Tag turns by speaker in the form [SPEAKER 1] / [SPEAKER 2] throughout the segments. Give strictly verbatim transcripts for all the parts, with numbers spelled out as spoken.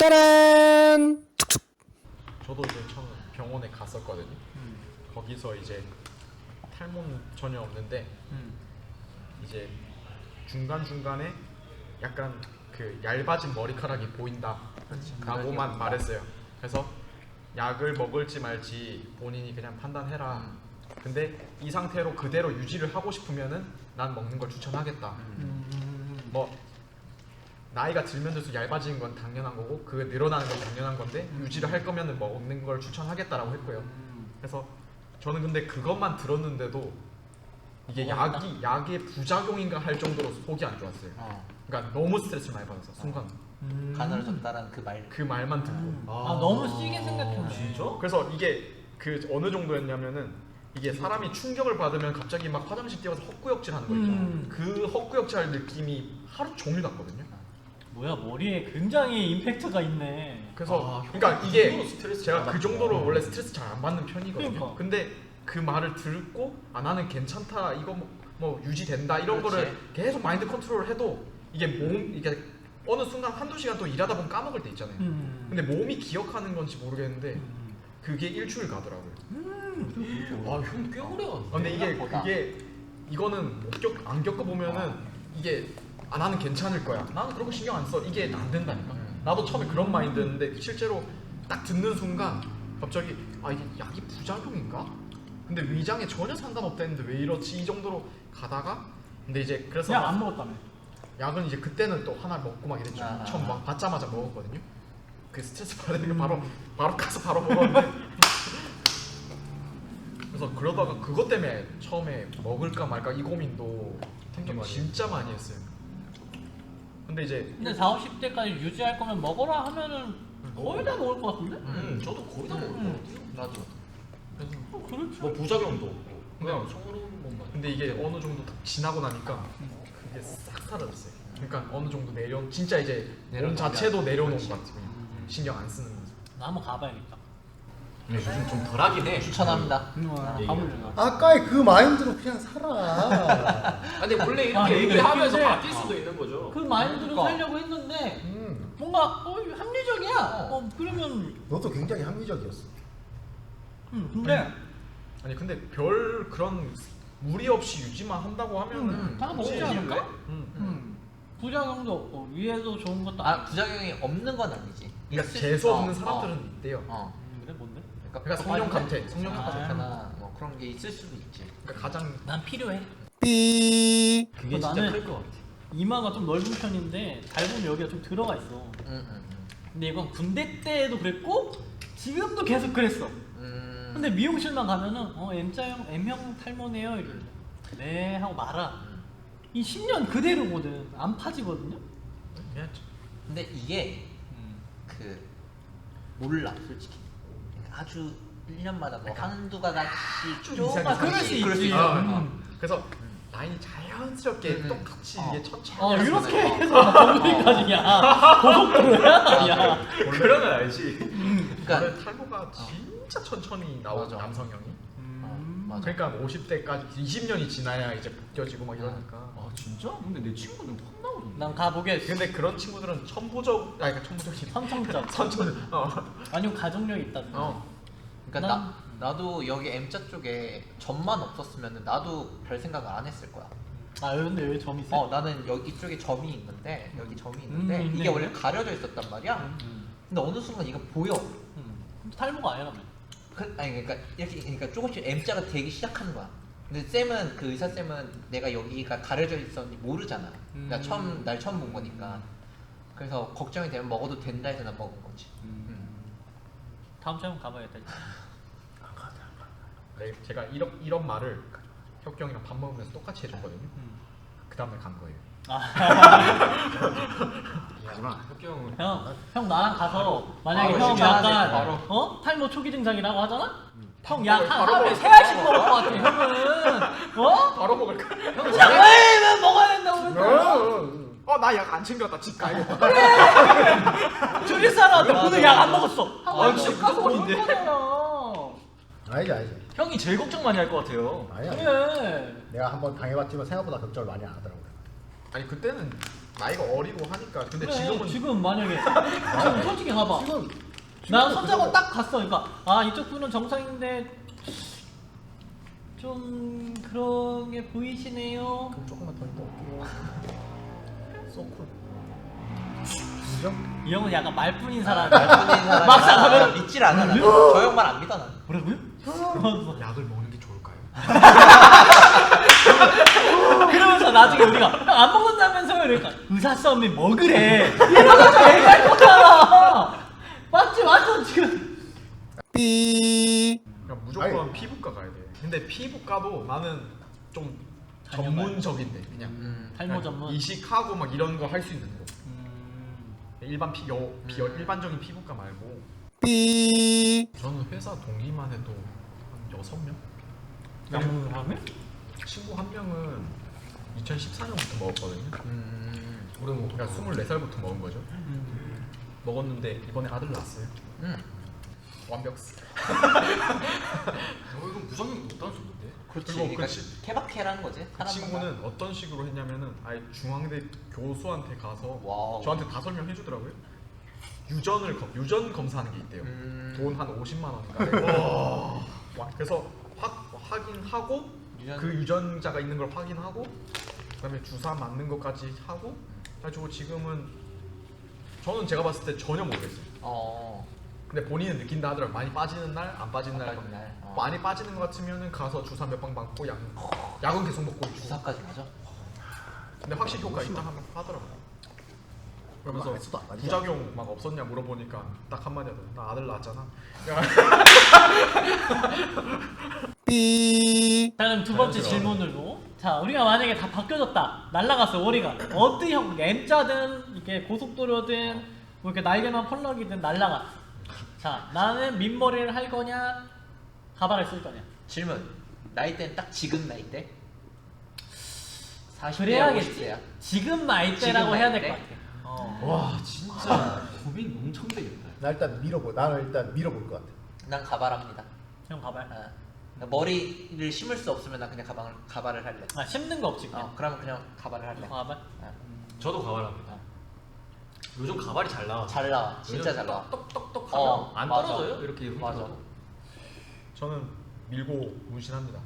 [SPEAKER 1] 짜란! 툭툭.
[SPEAKER 2] 저도 이제 처음 병원에 갔었거든요.
[SPEAKER 3] 음.
[SPEAKER 2] 거기서 이제 탈모는 전혀 없는데
[SPEAKER 3] 음.
[SPEAKER 2] 이제 중간 중간에 약간 그 얇아진 머리카락이 보인다라고만 말했어요. 그래서 약을 먹을지 말지 본인이 그냥 판단해라. 근데 이 상태로 그대로 유지를 하고 싶으면은 난 먹는 걸 추천하겠다.
[SPEAKER 3] 음.
[SPEAKER 2] 뭐 나이가 들면 들수록 얇아지는 건 당연한 거고 그 늘어나는 건 당연한 건데 유지를 할 거면은 먹는 걸 추천하겠다라고 했고요. 그래서 저는 근데 그것만 들었는데도 이게 약이 약의 부작용인가 할 정도로 속이 안 좋았어요.
[SPEAKER 4] 어.
[SPEAKER 2] 그러니까 너무 스트레스를 많이 받아서 순간
[SPEAKER 3] 음.
[SPEAKER 4] 가늘어졌다라는 그 말.
[SPEAKER 2] 그 말만 듣고
[SPEAKER 3] 음. 아, 너무 세게 생각했네.
[SPEAKER 5] 진짜?
[SPEAKER 2] 그래서 이게 그 어느 정도였냐면은 이게 사람이 충격을 받으면 갑자기 막 화장실 뛰어서 헛구역질 하는 거 있죠.
[SPEAKER 3] 음.
[SPEAKER 2] 그 헛구역질 할 느낌이 하루 종일 났거든요.
[SPEAKER 3] 뭐야, 머리에 굉장히 임팩트가 있네.
[SPEAKER 2] 그래서
[SPEAKER 5] 아,
[SPEAKER 2] 그러니까
[SPEAKER 5] 그
[SPEAKER 2] 이게
[SPEAKER 5] 정도로 스트레스
[SPEAKER 2] 제가 그
[SPEAKER 5] 받았구나.
[SPEAKER 2] 정도로 원래 스트레스 잘 안 받는 편이거든요.
[SPEAKER 3] 그러니까.
[SPEAKER 2] 근데 그 말을 듣고 아 나는 괜찮다 이거 뭐, 뭐 유지된다 이런
[SPEAKER 4] 그렇지.
[SPEAKER 2] 거를 계속 마인드 컨트롤을 해도 이게 몸 이게 어느 순간 한두 시간 또 일하다 보면 까먹을 때 있잖아요.
[SPEAKER 3] 음.
[SPEAKER 2] 근데 몸이 기억하는 건지 모르겠는데
[SPEAKER 3] 음.
[SPEAKER 2] 그게 일주일 가더라고요.
[SPEAKER 5] 와, 형 꽤 오래 갔네.
[SPEAKER 2] 아, 근데 이게
[SPEAKER 4] 생각보다. 그게
[SPEAKER 2] 그게 이거는 못 겪, 안 겪어보면은 이게 아 나는 괜찮을 거야. 나는 그런 거 신경 안 써. 이게 안 된다니까. 나도 처음에 그런 마인드였는데 실제로 딱 듣는 순간 갑자기 아 이게 약이 부작용인가? 근데 위장에 전혀 상관없다는데 왜 이렇지? 이 정도로 가다가 근데 이제 그래서
[SPEAKER 3] 그냥
[SPEAKER 2] 막
[SPEAKER 3] 안 먹었다며.
[SPEAKER 2] 약은 이제 그때는 또 하나 먹고 막 이랬죠.
[SPEAKER 4] 아,
[SPEAKER 2] 처음
[SPEAKER 4] 아,
[SPEAKER 2] 막 받자마자 먹었거든요. 그 스트레스 받으니까 바로 바로 가서 바로 먹었는데 그래서 그러다가 그것 때문에 처음에 먹을까 말까 이 고민도 생각 진짜 많이 했어요. 근데 이제
[SPEAKER 3] 근데 사십 대까지 유지할 거면 먹어라 하면은 거의 다 먹을 것 같은데?
[SPEAKER 5] 음, 저도 거의 다 먹을 것
[SPEAKER 3] 음.
[SPEAKER 5] 같아요.
[SPEAKER 4] 나도.
[SPEAKER 3] 어, 그렇죠.
[SPEAKER 5] 뭐 부작용도 없고 그냥
[SPEAKER 2] 네.
[SPEAKER 5] 성으로 먹만.
[SPEAKER 2] 근데 이게 어느 정도 딱 지나고 나니까 그게 싹 사라졌어요. 그러니까 어느 정도 내려 진짜 이제 몸
[SPEAKER 4] 내려놓은
[SPEAKER 2] 자체도
[SPEAKER 4] 게
[SPEAKER 2] 내려놓은
[SPEAKER 4] 그렇지.
[SPEAKER 2] 것 같아요. 신경 안 쓰는 거죠.
[SPEAKER 3] 나 한번 가봐야겠다.
[SPEAKER 5] 근데 요즘 좀 덜하긴 해.
[SPEAKER 4] 추천합니다.
[SPEAKER 3] 음,
[SPEAKER 4] 아,
[SPEAKER 3] 가보려고.
[SPEAKER 1] 아까의 그 마인드로 그냥 살아.
[SPEAKER 5] 아, 근데 원래 이렇게
[SPEAKER 3] 아,
[SPEAKER 5] 얘기를
[SPEAKER 3] 이게
[SPEAKER 5] 하면서
[SPEAKER 3] 근데-
[SPEAKER 5] 바뀔 수도 있는 거죠.
[SPEAKER 3] 그 마인드로
[SPEAKER 4] 그러니까.
[SPEAKER 3] 살려고 했는데
[SPEAKER 1] 음,
[SPEAKER 3] 뭔가 어, 합리적이야. 어, 그러면
[SPEAKER 1] 너도 굉장히 합리적이었어.
[SPEAKER 3] 음, 근데
[SPEAKER 2] 아니 근데 별 그런 무리 없이 유지만 한다고 하면은
[SPEAKER 3] 음, 다
[SPEAKER 2] 굳이-
[SPEAKER 3] 먹지 않을까?
[SPEAKER 2] 음.
[SPEAKER 3] 음, 부작용도 없고 위에도 좋은 것도
[SPEAKER 4] 아
[SPEAKER 3] 아니고.
[SPEAKER 4] 부작용이 없는 건 아니지.
[SPEAKER 2] 그러니까
[SPEAKER 4] 있을
[SPEAKER 2] 재수
[SPEAKER 4] 수-
[SPEAKER 2] 없는
[SPEAKER 4] 어,
[SPEAKER 2] 사람들은
[SPEAKER 4] 어.
[SPEAKER 2] 있대요.
[SPEAKER 4] 어.
[SPEAKER 3] 음, 그래 뭔데?
[SPEAKER 2] 그러니까 성령 감퇴, 성령
[SPEAKER 3] 아.
[SPEAKER 2] 감퇴.
[SPEAKER 4] 하나 뭐 그런 게 있을 수도 있지.
[SPEAKER 2] 그러니까 가장
[SPEAKER 3] 난 필요해.
[SPEAKER 1] 삐.
[SPEAKER 5] 그게
[SPEAKER 3] 어,
[SPEAKER 5] 진짜
[SPEAKER 3] 나는-
[SPEAKER 5] 클 것 같아.
[SPEAKER 3] 이마가 좀 넓은 편인데 잘 보면 여기가 좀 들어가 있어.
[SPEAKER 4] 음, 음,
[SPEAKER 3] 근데 이건 군대 때도 그랬고 지금도 계속 그랬어.
[SPEAKER 4] 음. 음.
[SPEAKER 3] 근데 미용실만 가면은 어 M자형 M형 탈모네요 이래. 네 하고 말아.
[SPEAKER 4] 음.
[SPEAKER 3] 이 십 년 그대로거든. 안 파지거든요.
[SPEAKER 2] 그냥
[SPEAKER 4] 근데 이게 그 몰라 솔직히. 그러니까 아주 일 년마다 뭐 한두 가지
[SPEAKER 2] 좀
[SPEAKER 4] 조금
[SPEAKER 2] 이상해.
[SPEAKER 3] 그럴 수 있지.
[SPEAKER 4] 그럴 수 있어.
[SPEAKER 2] 아,
[SPEAKER 3] 음.
[SPEAKER 2] 그래서 라인이 자연스럽게
[SPEAKER 4] 음.
[SPEAKER 2] 똑같이
[SPEAKER 4] 어.
[SPEAKER 2] 이게 천천히
[SPEAKER 3] 어
[SPEAKER 2] 하면서
[SPEAKER 3] 이렇게
[SPEAKER 4] 어.
[SPEAKER 3] 해서 거기까지 야 고속도로야. 야.
[SPEAKER 5] 그러면 알지.
[SPEAKER 4] 그러니까
[SPEAKER 2] 원래 탈모가 진짜 천천히 나오죠
[SPEAKER 4] 맞아.
[SPEAKER 2] 남성형이.
[SPEAKER 3] 음.
[SPEAKER 4] 맞아.
[SPEAKER 2] 그러니까 오십 대까지 이십 년이 지나야 이제 벗겨지고 막 이러니까.
[SPEAKER 5] 아 진짜? 근데 내 친구는 확 나오던데.
[SPEAKER 3] 난 가보겠어.
[SPEAKER 2] 근데 그런 친구들은 천부적, 아니 그러니까 천부적이
[SPEAKER 3] 선청적.
[SPEAKER 2] 선천, 어,
[SPEAKER 3] 아니면 가족력이 있다.
[SPEAKER 2] 어.
[SPEAKER 4] 그러니까
[SPEAKER 3] 난-
[SPEAKER 4] 나 나도 여기 M자 쪽에 점만 없었으면 나도 별 생각을 안 했을 거야.
[SPEAKER 3] 아 근데 왜 점이 세?
[SPEAKER 4] 어 나는 여기 쪽에 점이 있는데 여기 점이 있는데
[SPEAKER 3] 음,
[SPEAKER 4] 이게
[SPEAKER 3] 있네.
[SPEAKER 4] 원래 가려져 있었단 말이야.
[SPEAKER 3] 음.
[SPEAKER 4] 근데 어느 순간 이거 보여.
[SPEAKER 3] 음. 근데 탈모가 아니라며.
[SPEAKER 4] 그, 아니 그러니까 이렇게 그러니까 조금씩 M자가 되기 시작하는 거야. 근데 쌤은 그 의사 쌤은 내가 여기가 가려져 있었는지 모르잖아. 그러니까
[SPEAKER 3] 음.
[SPEAKER 4] 처음 날 처음 본 거니까. 그래서 걱정이 되면 먹어도 된다 해서 난 먹은 거지.
[SPEAKER 3] 음. 다음 주에 한번 가봐야겠다.
[SPEAKER 2] 네, 제가 이런 이런 말을 혁경이랑 밥 먹으면서 똑같이 해줬거든요.
[SPEAKER 3] 음.
[SPEAKER 2] 그 다음날 간 거예요.
[SPEAKER 5] 이구나. 혁기 형은
[SPEAKER 3] 형, 형 나랑 가서 만약에
[SPEAKER 4] 바로
[SPEAKER 3] 형
[SPEAKER 4] 식사하네,
[SPEAKER 3] 약간
[SPEAKER 4] 바로.
[SPEAKER 3] 어 탈모 초기 증상이라고 하잖아?
[SPEAKER 2] 음.
[SPEAKER 3] 형 약 한
[SPEAKER 2] 바로
[SPEAKER 3] 하루에
[SPEAKER 2] 먹을
[SPEAKER 3] 세 알씩 먹을 것 같아 형은. 어?
[SPEAKER 2] 바로 먹을까?
[SPEAKER 3] 형 약을 먹어야 된다고 그랬잖아.
[SPEAKER 2] 어 나 약 안 챙겼다. 집 가야겠다.
[SPEAKER 3] 주리 사람한테 오늘 약 안 먹었어.
[SPEAKER 5] 아,
[SPEAKER 3] 집
[SPEAKER 5] 진짜
[SPEAKER 3] 가서 먹을
[SPEAKER 5] 무서운데?
[SPEAKER 3] 거잖아.
[SPEAKER 1] 아니지 아니지.
[SPEAKER 5] 형이 제일 걱정 많이 할 것 같아요.
[SPEAKER 1] 아니야.
[SPEAKER 3] 그래.
[SPEAKER 1] 내가 한번 당해봤지만 생각보다 걱정을 많이 안 하더라고요.
[SPEAKER 2] 아니 그때는 나이가 어리고 하니까. 근데
[SPEAKER 3] 그래,
[SPEAKER 2] 지금은
[SPEAKER 3] 지금 만약에 지금 솔직히 봐봐.
[SPEAKER 1] 지금
[SPEAKER 3] 나 손잡고 딱 갔어. 그러니까 아 이쪽 분은 정상인데 좀 그런 게 보이시네요.
[SPEAKER 1] 그럼 조금만 더 있다 올게요. 소쿨. 인정?
[SPEAKER 3] 이 형은 약간 말뿐인 사람.
[SPEAKER 4] 말뿐인 사람이
[SPEAKER 3] 막상 가면
[SPEAKER 4] 믿질 않아. 나는. 저 형만 안 믿어 나는.
[SPEAKER 3] 뭐라고요? 그러면서,
[SPEAKER 2] 약을 먹는 게 좋을까요?
[SPEAKER 3] 그러면서 나중에 우리가 형 안 먹는다면서요? 그러니까 의사 싸움이 먹으래. 이러면서 얘기할 거잖아. 맞지 맞죠 지금.
[SPEAKER 1] 삐.
[SPEAKER 2] 그러니까 무조건
[SPEAKER 1] 아니.
[SPEAKER 2] 피부과 가야 돼. 근데 피부과도 나는 좀
[SPEAKER 3] 전문가요?
[SPEAKER 2] 전문적인데 그냥
[SPEAKER 4] 음.
[SPEAKER 3] 탈모 전문.
[SPEAKER 2] 이식하고 막 이런 거 할 수 있는 거.
[SPEAKER 3] 음,
[SPEAKER 2] 일반 피 여, 비
[SPEAKER 4] 음.
[SPEAKER 2] 일반적인 피부과 말고.
[SPEAKER 1] 삐.
[SPEAKER 2] 저는 회사 동기만 해도 한 여섯 명?
[SPEAKER 3] 양문을 하면?
[SPEAKER 2] 친구 한 명은 이천십사 년부터 먹었거든요.
[SPEAKER 4] 음.
[SPEAKER 2] 오래 먹 그러니까 스물네 살부터 먹은 거죠.
[SPEAKER 3] 음.
[SPEAKER 2] 먹었는데 이번에 아들 낳았어요.
[SPEAKER 4] 음.
[SPEAKER 2] 완벽.
[SPEAKER 5] 어 이건 부작용이 없다는 소리인데.
[SPEAKER 4] 그렇지.
[SPEAKER 2] 그리고
[SPEAKER 4] 그러니까
[SPEAKER 2] 그
[SPEAKER 4] 케바케라는 거지.
[SPEAKER 2] 그
[SPEAKER 4] 사람마다.
[SPEAKER 2] 친구는 어떤 식으로 했냐면은 아예 중앙대 교수한테 가서
[SPEAKER 4] 와우.
[SPEAKER 2] 저한테 다 설명해 주더라고요. 유전을 검 유전 검사하는 게 있대요.
[SPEAKER 4] 음.
[SPEAKER 2] 돈 한 오십만 원인가. 내고. 와, 그래서 확 확인하고
[SPEAKER 4] 유전-
[SPEAKER 2] 그 유전자가 있는 걸 확인하고 그다음에 주사 맞는 것까지 하고 가지고 지금은 저는 제가 봤을 때 전혀 모르겠어요.
[SPEAKER 4] 어.
[SPEAKER 2] 근데 본인은 느낀다 하더라고. 많이 빠지는 날, 안 빠지는
[SPEAKER 4] 안
[SPEAKER 2] 날.
[SPEAKER 4] 빠지는 날. 어.
[SPEAKER 2] 많이 빠지는 것 같으면은 가서 주사 몇 방 맞고 약 약은 계속 먹고 있고.
[SPEAKER 4] 주사까지 맞아?
[SPEAKER 2] 근데 확실히 효과 있다 하면 하더라고요. 그러면서
[SPEAKER 1] 그거 안 했어도 안 맞지
[SPEAKER 2] 부작용 막 없었냐 물어보니까 딱 한마디 하더라고. 나 아들 낳았잖아.
[SPEAKER 1] 삐.
[SPEAKER 3] 자 그럼 두 번째 질문으로 자 우리가 만약에 다 바뀌어졌다 날라갔어 월이가 어떤 형 M자든 이게 고속도로든 뭐 이렇게 날개만 펄럭이든 날라갔어 자 나는 민머리를 할 거냐 가발을 쓸 거냐
[SPEAKER 4] 질문. 나이대는 딱 지금 나이대? 사십 대
[SPEAKER 3] 그래야겠지
[SPEAKER 4] 오십 대야.
[SPEAKER 3] 지금 나이대라고
[SPEAKER 4] 지금
[SPEAKER 3] 해야 될 것
[SPEAKER 4] 나이대?
[SPEAKER 3] 같아 어.
[SPEAKER 5] 와 진짜 고민 엄청 되겠다.
[SPEAKER 1] 나 일단 밀어볼. 나는 일단 밀어볼 것 같아.
[SPEAKER 4] 난 가발합니다.
[SPEAKER 3] 형 가발
[SPEAKER 4] 어. 머리를 심을 수 없으면 난 그냥 가방을 가발을 할래.
[SPEAKER 3] 아 심는 거 없지 그냥
[SPEAKER 4] 어, 그러면 그냥 가발을 할래.
[SPEAKER 3] 가발
[SPEAKER 4] 어.
[SPEAKER 5] 저도 가발합니다. 요즘 가발이 잘 나와.
[SPEAKER 4] 잘 나와. 진짜
[SPEAKER 5] 요즘
[SPEAKER 4] 잘 나와.
[SPEAKER 5] 똑똑똑 하면
[SPEAKER 4] 어,
[SPEAKER 5] 안
[SPEAKER 4] 맞아.
[SPEAKER 5] 떨어져요? 이렇게 이렇게
[SPEAKER 4] 맞아.
[SPEAKER 5] 들어도.
[SPEAKER 2] 저는 밀고 문신합니다.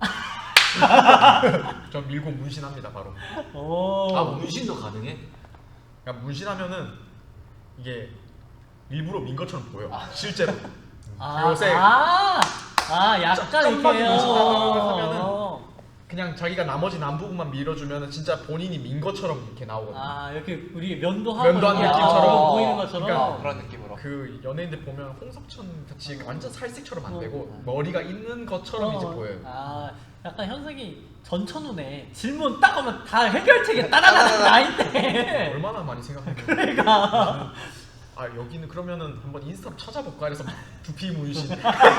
[SPEAKER 2] 전 밀고 문신합니다 바로.
[SPEAKER 3] 오
[SPEAKER 5] 아 문신도 가능해?
[SPEAKER 2] 그러니까 문신하면은 이게 일부러 민 것처럼 보여. 실제로.
[SPEAKER 3] 아,
[SPEAKER 2] 요새
[SPEAKER 3] 아, 아 약간
[SPEAKER 2] 깜빡이
[SPEAKER 3] 이렇게
[SPEAKER 2] 문신하고 하면은
[SPEAKER 3] 어.
[SPEAKER 2] 그냥 자기가 나머지 남 부분만 밀어주면은 진짜 본인이 민 것처럼 이렇게 나오거든요.
[SPEAKER 3] 아 이렇게 우리 면도 하고
[SPEAKER 2] 면도한
[SPEAKER 3] 이렇게
[SPEAKER 2] 느낌처럼.
[SPEAKER 3] 아, 보이는 것처럼
[SPEAKER 2] 그러니까
[SPEAKER 4] 어, 그런 느낌으로.
[SPEAKER 2] 그 연예인들 보면 홍석천 같이 완전 살색처럼 안
[SPEAKER 3] 어.
[SPEAKER 2] 되고 머리가 있는 것처럼 이제
[SPEAKER 3] 어,
[SPEAKER 2] 보여요.
[SPEAKER 3] 아 약간 현석이 전천후네 질문 딱 하면 다 해결책이 따라다닥 나인데
[SPEAKER 2] 얼마나 많이 생각했는데.
[SPEAKER 3] 그러니까
[SPEAKER 2] 아 여기는 그러면은 한번 인스타 찾아볼까 해서 두피 문신.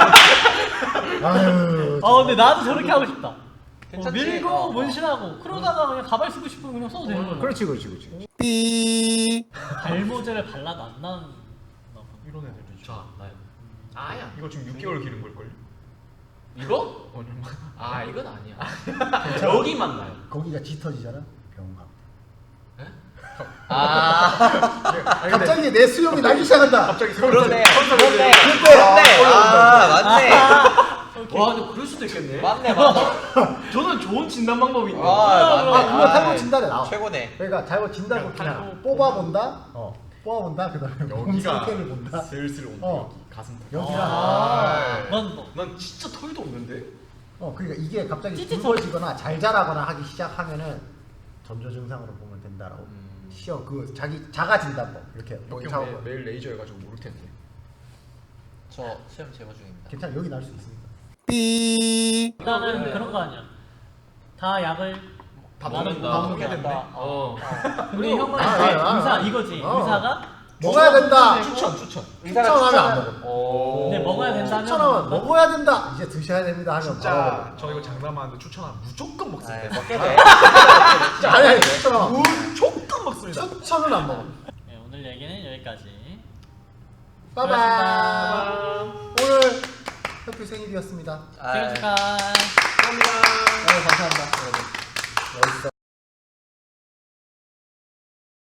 [SPEAKER 1] 아유.
[SPEAKER 3] 아 근데 나도 저렇게 하고 싶다 어,
[SPEAKER 4] 괜찮지?
[SPEAKER 3] 밀고
[SPEAKER 4] 어, 어.
[SPEAKER 3] 문신하고 그러다가 그냥 가발 쓰고 싶으면 그냥 써도 되는 거야
[SPEAKER 1] 그렇지, 그렇지, 그렇지. 삐.
[SPEAKER 3] 발모제를 발라도 안 나는
[SPEAKER 2] 이런 애들도 있죠.
[SPEAKER 5] 자 나요. 아야.
[SPEAKER 2] 이거 지금 육 개월 기른 걸걸요?
[SPEAKER 5] 이거?
[SPEAKER 2] 얼마?
[SPEAKER 5] 아 이건 아니야. 여기만 나요.
[SPEAKER 1] 거기가 짙어지잖아. 병가.
[SPEAKER 5] 에?
[SPEAKER 4] 아,
[SPEAKER 2] 아니, 근데
[SPEAKER 1] 갑자기 내 수염이 나기 시작한다.
[SPEAKER 2] 갑자기
[SPEAKER 4] 그러네.
[SPEAKER 2] 선수
[SPEAKER 4] 그러네.
[SPEAKER 1] 그때.
[SPEAKER 4] 그러네. 아, 맞네.
[SPEAKER 5] 와 근데 그럴 수도 있겠네.
[SPEAKER 4] 맞네, 맞네.
[SPEAKER 5] 저는 좋은 진단 방법이 있네.
[SPEAKER 4] 아, 맞네.
[SPEAKER 1] 아, 그거 탈모
[SPEAKER 4] 아이,
[SPEAKER 1] 진단에 나와.
[SPEAKER 4] 최고네.
[SPEAKER 1] 그러니까 잘못 진단을
[SPEAKER 2] 그냥
[SPEAKER 1] 그냥
[SPEAKER 2] 탈모
[SPEAKER 1] 뽑아본다. 어, 뽑아본다. 그다음에 몸
[SPEAKER 2] 여기가
[SPEAKER 1] 상태를 본다.
[SPEAKER 2] 슬슬 온다.
[SPEAKER 1] 어.
[SPEAKER 2] 여기 가슴.
[SPEAKER 1] 여기가.
[SPEAKER 3] 아, 넌 뭐.
[SPEAKER 5] 난 진짜 털도 없는데.
[SPEAKER 1] 어, 그러니까 이게 갑자기
[SPEAKER 3] 찌릿
[SPEAKER 1] 굵어지거나 잘 자라거나 하기 시작하면은 전조 증상으로 보면 된다라고.
[SPEAKER 5] 음.
[SPEAKER 1] 시험 그 자기 자가 진단법 이렇게 여기
[SPEAKER 2] 여기
[SPEAKER 1] 작업.
[SPEAKER 2] 매, 매일 레이저 해가지고 모를 텐데.
[SPEAKER 4] 저 수염 제거 중입니다.
[SPEAKER 1] 괜찮아 여기 날 수 있습니다. 삐.
[SPEAKER 3] 일단은
[SPEAKER 5] 네.
[SPEAKER 3] 그런 거 아니야 다 약을
[SPEAKER 2] 다
[SPEAKER 3] 나는
[SPEAKER 2] 먹는다.
[SPEAKER 3] 다
[SPEAKER 2] 다
[SPEAKER 3] 먹는다.
[SPEAKER 2] 먹겠는데.
[SPEAKER 5] 어.
[SPEAKER 3] 우리 형은
[SPEAKER 1] 아,
[SPEAKER 3] 이제
[SPEAKER 1] 아, 아,
[SPEAKER 3] 의사
[SPEAKER 1] 아.
[SPEAKER 3] 이거지
[SPEAKER 1] 어.
[SPEAKER 3] 의사가
[SPEAKER 1] 먹어야 된다.
[SPEAKER 2] 추천 추천.
[SPEAKER 1] 추천하면 안 먹어.
[SPEAKER 2] 오.
[SPEAKER 3] 근데 먹어야 된다면
[SPEAKER 1] 추천하면 먹어야 된다. 이제 드셔야 됩니다 하면
[SPEAKER 2] 진짜
[SPEAKER 1] 바로
[SPEAKER 2] 저 이거 장난하는데 추천하면 무조건
[SPEAKER 4] 아,
[SPEAKER 2] 먹습니다.
[SPEAKER 4] 먹게 돼.
[SPEAKER 1] 진짜 아니 아니 추천하면
[SPEAKER 2] 무조건 먹습니다.
[SPEAKER 1] 추천은 안 먹어.
[SPEAKER 3] 네, 오늘 얘기는 여기까지
[SPEAKER 1] 빠밤. 오늘 혁규 생일이었습니다.
[SPEAKER 4] 아,
[SPEAKER 3] 생일 축하
[SPEAKER 1] 네, 감사합니다 여러분. 멋있어.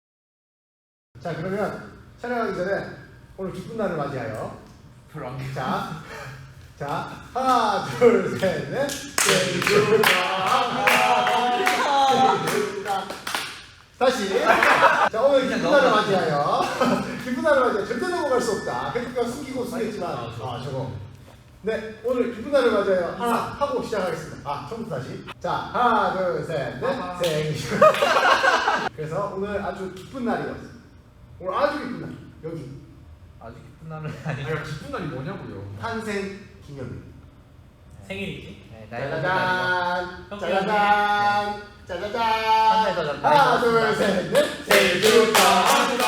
[SPEAKER 1] 자 그러면 촬영하기 전에 오늘 기쁜 날을 맞이하여 자, 자 하나 둘 셋 넷 생일 축하합니다. 생일 축하. 다시 자 오늘 기쁜 날을 맞이하여 기쁜 날을 맞이하여 절대 넘어갈 수 없다. 그러니까 숨기고 숨겼지만 아 저거 네 오늘 기쁜 날을 맞이하여 하나 하고 시작하겠습니다. 아 처음부터 다시 자 하나 둘 셋 넷 생일 축하. 그래서 오늘 아주 기쁜 날이었어. 오늘 아주 기쁜 날 여기
[SPEAKER 4] 아주 기쁜 날은 아니고.
[SPEAKER 2] 아니 기쁜 날이 뭐냐고요.
[SPEAKER 1] 탄생 기념일.
[SPEAKER 3] 생일이지.
[SPEAKER 4] 네, 나이가 든 날이고.
[SPEAKER 1] 짜자잔 짜자잔 짜자잔
[SPEAKER 4] 한 살 더
[SPEAKER 1] 하나
[SPEAKER 4] 나이가
[SPEAKER 1] 둘 셋 넷 생일 축하합니다.